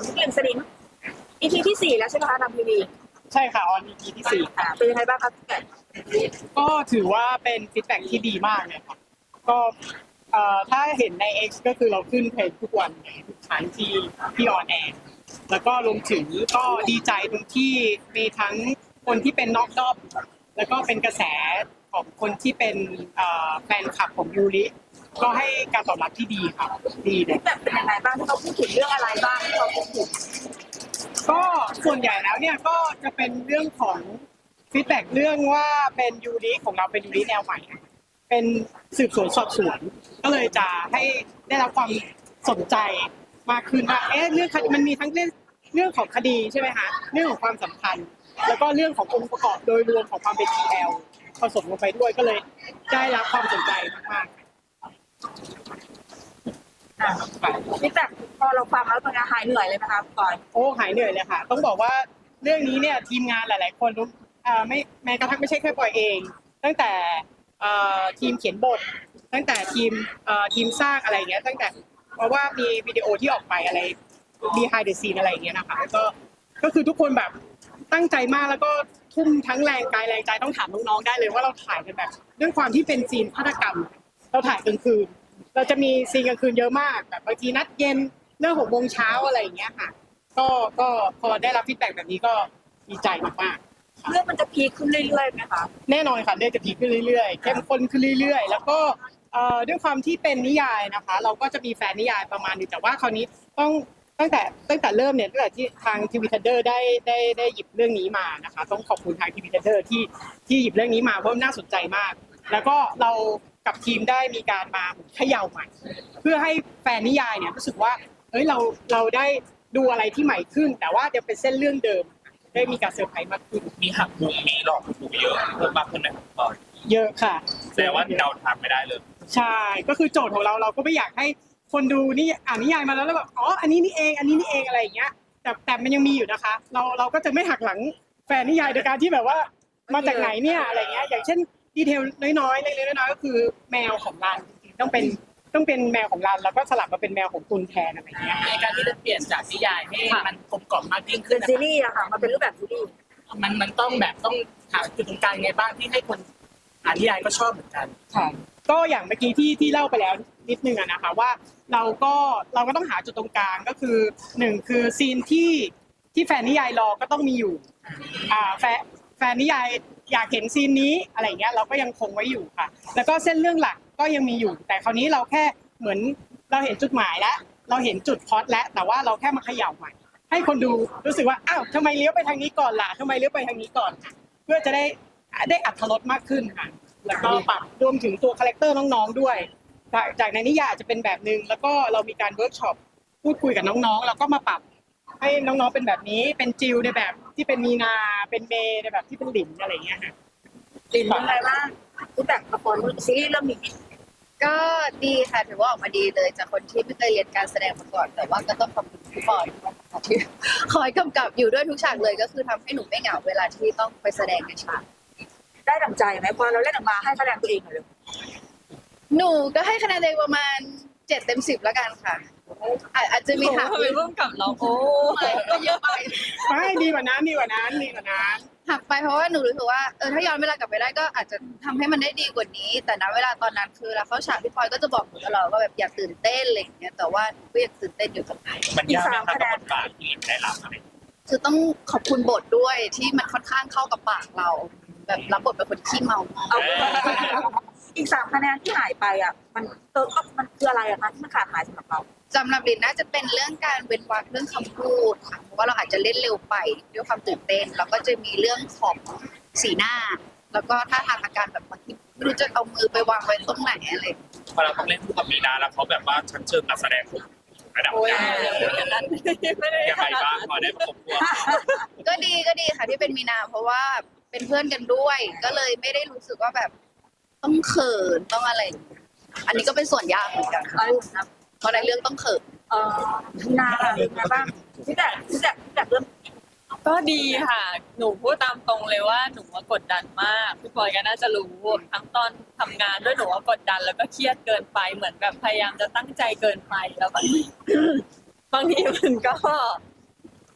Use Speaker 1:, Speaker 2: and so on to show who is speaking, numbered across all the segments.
Speaker 1: พี่กลิ่นสนิม EP ที่4แล้วใช่ไหมคะทางทีวี
Speaker 2: ใช่ค่ะออน EP ที่4
Speaker 1: เป็นยังไงบ้างครับ
Speaker 2: ก็ถือว่าเป็นฟีดแบ็กที่ดีมากเลยครับก็ถ้าเห็นใน X ก็คือเราขึ้นเพจทุกวันทุกครั้งที่ออนแอร์แล้วก็รวมถึงก็ดีใจตรงที่มีทั้งคนที่เป็นนอกรอบแล้วก็เป็นกระแสของคนที่เป็นแฟนคลับของยูริก็ให้การตอบรับที่ดีครับดีเลย
Speaker 1: แบบเป็นยังไงบ้างที่เขาพูดถึงเรื่องอะไรบ้างที่เขาพูดถึง
Speaker 2: ก็ส่วนใหญ่แล้วเนี่ยก็จะเป็นเรื่องของฟีดแบ็กเรื่องว่าเป็นยูริของเราเป็นยูริแนวใหม่เป็นสืบสวนสอบสวนก็เลยจะให้ได้รับความสนใจมากขึ้นว่าเรื่องมันมีทั้งเรื่องของคดีใช่ไหมคะเรื่องของความสัมพันธ์แล้วก็เรื่องขององค์ประกอบโดยรวมของความเป็น TL ผสมลงไปด้วยก็เลยได้รับความสนใจมาก
Speaker 1: ฟีดแบ็กพอเราฟังแล้วเป็นไงหายเหนื่อยเลยนะคะก่อน
Speaker 2: โอ้หายเหนื่อยเลยค่ะต้องบอกว่าเรื่องนี้เนี่ยทีมงานหลายๆคนไม่แม้กระทั่งไม่ใช่แค่ปอยเองตั้งแต่ทีมเขียนบทตั้งแต่ทีมสร้างอะไรอย่างเงี้ยตั้งแต่เพราะว่ามีวิดีโอที่ออกไปอะไร behind the scene อะไรอย่างเงี้ยนะคะก็คือทุกคนแบบตั้งใจมากแล้วก็ทุ่มทั้งแรงกายแรงใจต้องถามน้องๆได้เลยว่าเราถ่ายกันแบบด้วยความที่เป็นซีนฆาตกรรมเราถ่ายกลางคืนเราจะมีซีนกลางคืนเยอะมากแบบบางทีนัดเย็นเรื่อง6 โมงเช้าอะไรอย่างเงี้ยค่ะก็พอได้รับฟีดแบ็กแบบนี้ก็ดีใจมากๆ
Speaker 1: เรื่องมันจะพีคขึ้นเรื่อยๆไหมคะ
Speaker 2: แน่นอนค่ะเรื่องจะพีคขึ้นเรื่อยๆเข้มข้นขึ้นเรื่อยๆแล้วก็ด้วยความที่เป็นนิยายนะคะเราก็จะมีแฟนนิยายประมาณนึงแต่ว่าคราวนี้ต้องตั้งแต่เริ่มเนี่ยตั้งแต่ที่ทางทีวีทันเดอร์ได้หยิบเรื่องนี้มานะคะต้องขอบคุณทางทีวีทันเดอร์ที่หยิบเรื่องนี้มาเพราะน่าสนใจมากแล้วก็เรากับทีมได้มีการมาเขย่าใหม่เพื่อให้แฟนนิยายเนี่ยรู้สึกว่าเราได้ดูอะไรที่ใหม่ขึ้นแต่ว่าจะเป็นเส้นเรื่องเดิมได้มีการเซอร์ไพรส์มากขึ้น
Speaker 3: มีหักมุมมีหลอกมุมเยอะเพิ่มมากขึ้นไหมครับ
Speaker 2: เยอะค่ะ
Speaker 3: แต่ว่าเราทำไม่ได้เลย
Speaker 2: ใช่ก็คือโจทย์ของเราก็ไม่อยากให้คนดูนี่อ่านนิยายมาแล้วแบบอ๋ออันนี้นี่เองอะไรอย่างเงี้ยแต่มันยังมีอยู่นะคะเราก็จะไม่หักหลังแฟนนิยายโดยการที่แบบว่ามาจากไหนเนี่ยอะไรเงี้ยอย่างเช่นดีเทลน้อยๆเล็กๆน้อยๆก็คือแมวของรันจริงๆต้องเป็นแมวของรันแล้วก็สลับมาเป็นแมวของตุนแทนอะไรเงี้ย
Speaker 4: ในการที่จะเปลี่ยนจากนิยายให้มันกลมกล่อมมากยิ่งขึ้
Speaker 1: เป็น นซีรีส์อะค่ะมันเป็นรูปแบบซีรีส์
Speaker 4: มันต้องหาจุดตรงกลางไงบ้างที่ให้คนอ่านนิยายก็ชอบเหมือนกัน
Speaker 2: ค่ะก็อย่างเมื่อกี้ที่เล่าไปแล้วนิดนึงอะนะคะว่าเราก็ต้องหาจุดตรงกลางก็คือ1คือซีนที่แฟนนิยายรอก็ต้องมีอยู่แฟนนิยายอยากเห็นซีนนี้อะไรเงี้ยเราก็ยังคงไว้อยู่ค่ะแล้วก็เส้นเรื่องหลักก็ยังมีอยู่แต่คราวนี้เราแค่เหมือนเราเห็นจุดหมายแล้วเราเห็นจุดพล็อตแล้วแต่ว่าเราแค่มาเขย่าใหม่ให้คนดูรู้สึกว่าอ้าวทำไมเลี้ยวไปทางนี้ก่อนล่ะทำไมเลี้ยวไปทางนี้ก่อนเพื่อจะได้อรรถรสมากขึ้นค่ะแล้วก็ปรับรวมถึงตัวคาแรคเตอร์น้องๆด้วยจากในนิยายจะเป็นแบบนึงแล้วก็เรามีการเวิร์กช็อปพูดคุยกับน้องๆแล้วก็มาปรับให้น้องๆเป็นแบบนี้เป็นจิวในแบบที่เป็นมีนาเป็นเมย์ในแบบที่เป็นหลินอะไรอย่างเงี้ยค่ะ
Speaker 1: ลินเป็นไงบ้างรูปแบบละครซีรีส์เรื่องนี้
Speaker 5: ก็ดีค่ะถือว่าออกมาดีเลยจากคนที่ไม่เคยเรียนการแสดงมาก่อนแต่ว่าก็ต้องขอบคุณพี่บอยที่คอยกำกับอยู่ด้วยทุกฉากเลยก็คือทำให้หนูไม่เหงาเวลาที่ต้องไปแสดงในฉาก
Speaker 1: ได้ดั่งใจไหมพอเราเล่นออกมาให้คะแนนตัวเองหน่อยเลย
Speaker 5: หนูก็ให้คะแนนตัวเองประมาณ7/10แล้วกันค่ะอาจจะมีหัก
Speaker 4: ร่วมกับเราโอ้
Speaker 5: ก็เยอะไป
Speaker 2: ไม่ดีกว่านั้น
Speaker 5: หักไปเพราะว่าหนูรู้สึกว่าถ้าย้อนเวลากลับไปได้ก็อาจจะทำให้มันได้ดีกว่านี้แต่ณเวลาตอนนั้นคือเราเข้าฉากพี่พลอยก็จะบอกหนูตลอดว่าแบบอย่าตื่นเต้นอะไรอย่างเงี้ยแต่ว่าหนูก็ยังตื่นเต้นอยู่กับไหน
Speaker 3: มันยากไหมครับกับบทบาทที่ได้รับอะไร
Speaker 5: คือต้องขอบคุณบทด้วยที่มันค่อนข้างเข้ากับปากเราแบบรับบทเป็นคนขี้เมา
Speaker 1: อีก3 คะแนนที่หายไปอ่ะมันคืออะไรอะคะที่มันขาดหายสำหรับเรา
Speaker 5: สำหรับลินน่าจะเป็นเรื่องการเว้นวรรคเรื่องคำพูดค่ะเพราะว่าเราอาจจะเล่นเร็วไปด้วยความตื่นเต้นแล้วก็จะมีเรื่องของสีหน้าแล้วก็ท่าทางอาการแบบบางทีไม่รู้จะเอามือไปวางไว้ตรงไหนอะไร
Speaker 3: พอเราต้องเล่นคู่กับมีนาแล้วเขาแบบว่าชั้นเชิงการแสดงระดับยังไงบ้างพอได้ประกบตัว
Speaker 5: ก็ดีค่ะที่เป็นมีนาเพราะว่าเป็นเพื่อนกันด้วยก็เลยไม่ได้รู้สึกว่าแบบต้องเขินต้องอะไรอันนี้ก็เป็นส่วนยากเหมือนกันเพราะในเรื่องต้องเขิน
Speaker 1: นาเป็นไงบ้างที่แต่เรื่อง
Speaker 4: ก็ดีค่ะหนูพูดตามตรงเลยว่าหนูว่ากดดันมากพี่บอยก็น่าจะรู้ทั้งตอนทำงานด้วยหนูว่ากดดันแล้วก็เครียดเกินไปเหมือนแบบพยายามจะตั้งใจเกินไปแล้วบางทีมันก็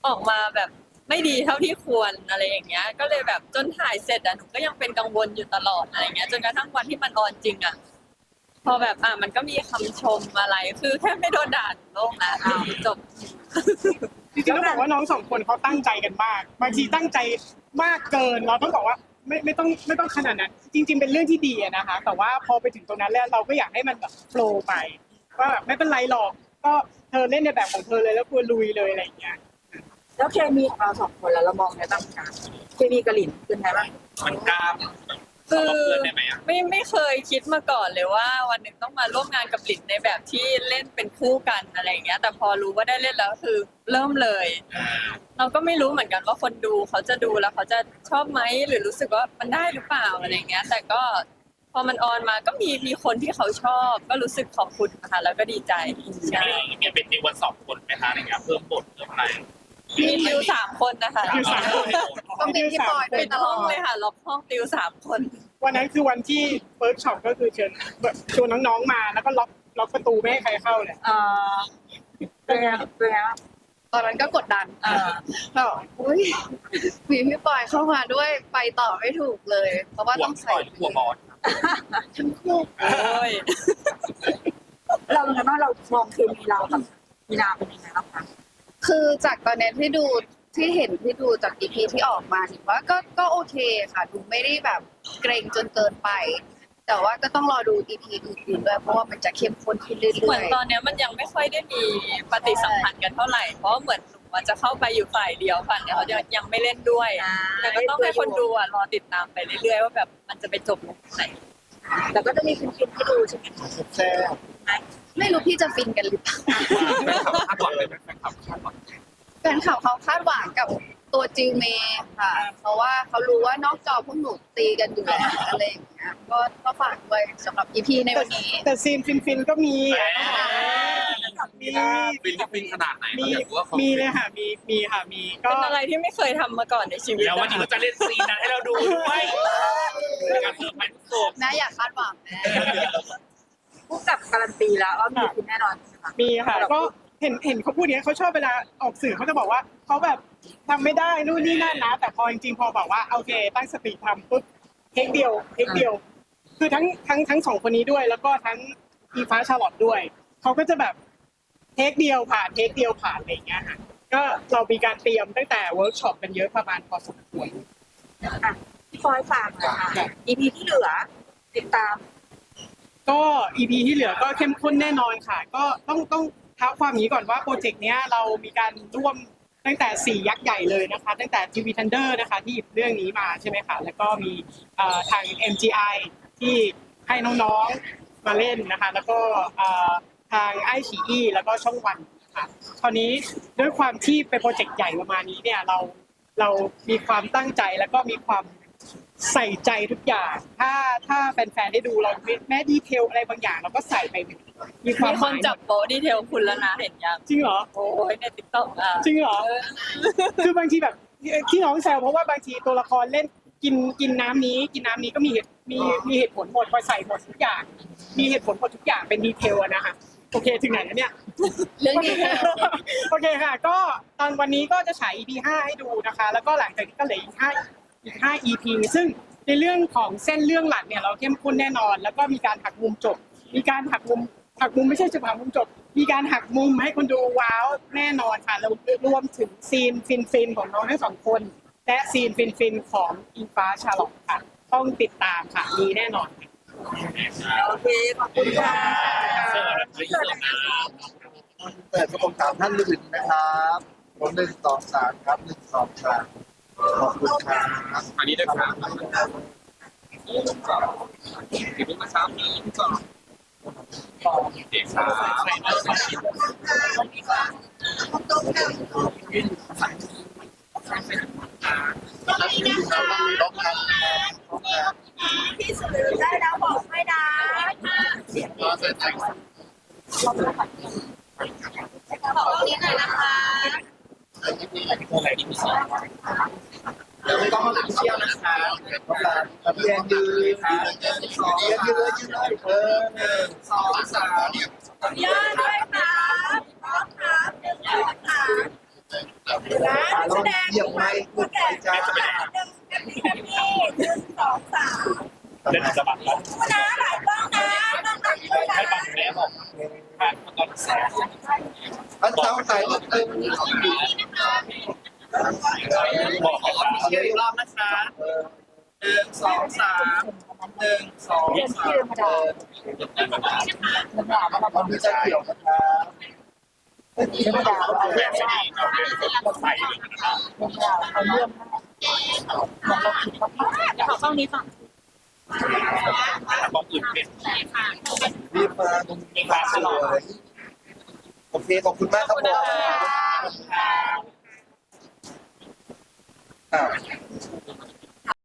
Speaker 4: ออกมาแบบไม่ดีเท่าที่ควรอะไรอย่างเงี้ย ก็เลยแบบจนถ่ายเสร็จหนูก็ยังเป็นกังวลอยู่ตลอดอะไรเงี้ยจนกระทั่งวันที่มันออนจริงพอแบบมันก็มีคำชมอะไรคือแค่ไม่โดนด่าโลกนะจบ
Speaker 2: จริงๆต้องบอกว่าน้องสองคนเขาตั้งใจกันมาก บางทีตั้งใจมากเกินเราต้องบอกว่าไม่ต้องขนาดนั้น จริง ๆเป็นเรื่องที่ดีนะคะ แต่ว่าพอไปถึงตรงนั้นแล้วเราก็อยากให้มันแบบโฟลว์ไปว่าแบบไม่เป็นไรหรอกก็เธอเล่นในแบบของเธอเลยแล้วควรลุยเลยอะไรอย่างเงี้ย
Speaker 1: แล้วเคมีของเราสองคนแล้วเรามองในบ้างคะเคมีกระหลินเป็นไงบ้าง
Speaker 3: มันกล้าม
Speaker 4: คือ
Speaker 3: เพื่อนได้ไหมอ่ะ
Speaker 4: ไม่เคยคิดมาก่อนเลยว่าวันหนึ่งต้องมาร่วมงานกับหลินในแบบที่เล่นเป็นคู่กันอะไรอย่างเงี้ย แต่พอรู้ว่าได้เล่นแล้วคือเริ่มเลย เราก็ไม่รู้เหมือนกันว่าคนดูเขาจะดูแล้วเขาจะชอบไหมหรือรู้สึกว่ามันได้หรือเปล่าอะไรอย่างเงี้ย แต่ก็พอมันออนมาก็มีคนที่เขาชอบ ก็รู้สึกขอบคุณนะคะแล้วก็ดีใจใช่
Speaker 3: มีเป็นติววัน2 คนไหมคะอะไรเงี้ยเพิ่มบทเพิ่มอะไร
Speaker 4: มีติว3 คนนะคะ
Speaker 2: ติว3 คน
Speaker 5: ต้องเป็นพี่ปอยด้ว
Speaker 4: เป็
Speaker 5: ย
Speaker 4: น
Speaker 5: ตล
Speaker 4: ห้
Speaker 5: อ
Speaker 4: อง
Speaker 5: ด
Speaker 4: เลยค่ะล็อกห้องติว3 คน
Speaker 2: วันนั้นคือวันที่เวิร์กช็อปก็คือเชิญชวนน้องๆมาแล้วก็ล็อกประตูไม่ให้ใครเข้าเลย
Speaker 1: เป็นไงเป็นไงบ้าง
Speaker 5: ตอนนั้นก็กดดันแบบอุ้ยมีพี่ปอยเข้ามาด้วยไปต่อไม่ถูกเลย เพราะว่า
Speaker 3: หัว
Speaker 5: ต้อง
Speaker 3: ป
Speaker 5: ใส่
Speaker 3: ล่อยหัวบอส
Speaker 5: ทั้งคู่
Speaker 4: โอ้ย
Speaker 1: เราเป็นไงบ้างเรามองเคมีเรากับมีนาเป็นยังไงบ้างคะ
Speaker 5: คือจากตอนนี้ที่ดูจากอีพีที่ออกมาถือว่าก็โอเคค่ะดูไม่ได้แบบเกรงจนเกินไป แต่ว่าก็ต้องรอดูอีพีอื่นๆด้วยเพราะว่ามันจะเข้มข้นขึ้นเรื่
Speaker 4: เหมื
Speaker 5: อ
Speaker 4: อน
Speaker 5: ย
Speaker 4: ตอนเนี้ยมันยังไม่ค่อยได้มีปฏิสัมพันธ์กันเท่าไหร่ เพราะเหมือนหนูมันจะเข้าไปอยู่ฝ่ายเดียวค่ะเนี่ยเขาจะยังไม่เล่นด้วย แต่ก็ต้องให้คนดูรอติดตามไปเรื่อยๆว่าแบบมันจะไปจบลงไหน
Speaker 1: แต่ก็จะมีฟินๆให้ดูใช่ไหมคะ
Speaker 2: แซ่บ
Speaker 5: ๆไม่รู้พี่จะฟินกันหรือเปล่า
Speaker 3: แฟนคลับคาดหวังเลยไหมแฟนคลับคาดหวัง
Speaker 5: แฟนคลับเขาคาดหวังกับตัวจิวเมย์ค่ะ เพราะว่าเขารู้ว่านอกจอพวกหนูตีกันอยู่แล้วอะไรอย่างเงี้ยก็ฝากด้วยสำหรับอีพีในวันนี้
Speaker 2: แต่ซีนฟินๆก็มีมี
Speaker 3: ฟินขนาดไหน
Speaker 2: มี
Speaker 3: อยากรู้ว่าเขา
Speaker 2: มีเลยค่ะมีค่ะมีก็
Speaker 4: เป็นอะไรที่ไม่เคยทำมาก่อนในชีวิต
Speaker 3: แล้ววันนี้เขาจะเล่นซีนนั้นให้เราดูด้วยในการเพิ่มไปทุกโศก
Speaker 5: นะอย่าคาดหวังนะ
Speaker 1: ผู้กับการันตีแล้วว่ามีคุณแน่นอนใช่ไหมคะ
Speaker 2: มีค่ะก็เห็นเขาพูดอย่างนี้เขาชอบเวลาออกสื่อเขาจะบอกว่าเขาแบบทำไม่ได้นู่นนี่นั่นนะ แต่พอจริงๆพอบอกว่าโอเคตั้งสติทำปุ๊บเทคเดียวคือทั้งสองคนนี้ด้วย แล้วก็ทั้งอีฟ้าชาลอตด้วยเขาก็จะแบบเทคเดียวผ่านอะไรอย่างเงี้ยค่ะก็เรามีการเตรียมตั้งแต่เวิร์กช็อปกันเยอะประมาณพอสมควร
Speaker 1: อ่ะพี่ฟอยฝากหน่อยค่ะ EP ที่เหลือติดตาม
Speaker 2: ก็ EP ที่เหลือก็เข้มข้นแน่นอนค่ะ ก็ต้องเท้าความนี้ก่อนว่าโปรเจกต์เนี้ยเรามีการร่วมตั้งแต่4ยักษ์ใหญ่เลยนะคะ ตั้งแต่ TV Thunder นะคะที่หยิบเรื่องนี้มาใช่ไหมคะแล้วก็มีทาง MGI ที่ให้น้องๆมาเล่นนะคะ แล้วก็ทางไอชีอีแล้วก็ช่องวันค่ะคราวนี้ด้วยความที่เป็นโปรเจกต์ใหญ่ประมาณนี้เนี่ยเรามีความตั้งใจแล้วก็มีความใส่ใจทุกอย่าง ถ้าแฟนๆได้ดูเราแม้ดีเทลอะไรบางอย่างเราก็ใส่ไปมีความ
Speaker 4: มีคนจับโป๊ดีเทลคุณแล้วนะเห็นยัง
Speaker 2: จริงเหรอ
Speaker 4: โอ้ยในติ๊กต็อก
Speaker 2: จริงเหรอ คือบางทีแบบที่น้องแซวเพราะว่าบางทีตัวละครเล่นกินน้ำนี้ก็มีเหตุผลหมดพอใส่หมดทุกอย่าง มีเหตุผลหมดทุกอย่างเป็นดีเทลอะนะคะโอเคถึงไหนแล้วเนี่ย
Speaker 5: เรื่องนี้
Speaker 2: โอเคค่ะ ก็ตอนวันนี้ก็จะฉาย EP 5ให้ดูนะคะ แล้วก็หลังจากนี้ก็เหลืออีก5 EP ซึ่งในเรื่องของเส้นเรื่องหลักเนี่ยเราเข้มข้นแน่นอน แล้วก็มีการหักมุมจบ มีการหักมุมไม่ใช่จะหักมุมจบ มีการหักมุมให้คนดูว้าวแน่นอนค่ะแล้วรวมถึงซีนฟินของน้องทั้งสองคน และซีนฟินของอิงฟ้าชาลอตค่ะ ต้องติดตามค่ะมีแน่นอนค่ะ
Speaker 1: โอเค ขอบคุณค่ะ
Speaker 3: เสื้อแบบไม่เสื้อนะ
Speaker 6: เปิดกระผมถามท่านอื่นนะครับผม1 2 3ครับ1 2 3ขอบคุณครับ
Speaker 3: อันนี้ด้วยครับถึงมาเช้านี้ก่อนเด็กครับ
Speaker 1: พี่สื่อได้แล้วบอกไม่ได้บอกตรงนี้หน่อยนะคะ
Speaker 6: เดี๋ยวไม่ต้องมาเชี่ยวนะครับพี่แอนยืนเลย1 2 3
Speaker 1: ย่าด้วยค่ะพร้อมครับ1 2 3
Speaker 6: ลองเหยียบไม้พูดไปจ้า
Speaker 3: เล่นสะบัดแล้วให้บังแม่บอกบ้านตอนแสง
Speaker 6: พันเท้าถ่ายรูปเต็ม
Speaker 3: บอกเขาเยอะรอบนะคะ1 2 3 1 2 3
Speaker 6: ตอนนี้จะเกี่ยวนะครับเมื่อกี้ไม่ดาว
Speaker 3: แม่ไม่ดีเราเล่นใส่เลยนะครับ
Speaker 1: ขอเข้านี้ฝั่ง
Speaker 3: ต้องอื่นเป็น
Speaker 6: รีบมาตรงนี้มาสวยโอเคขอบคุณมากครับผม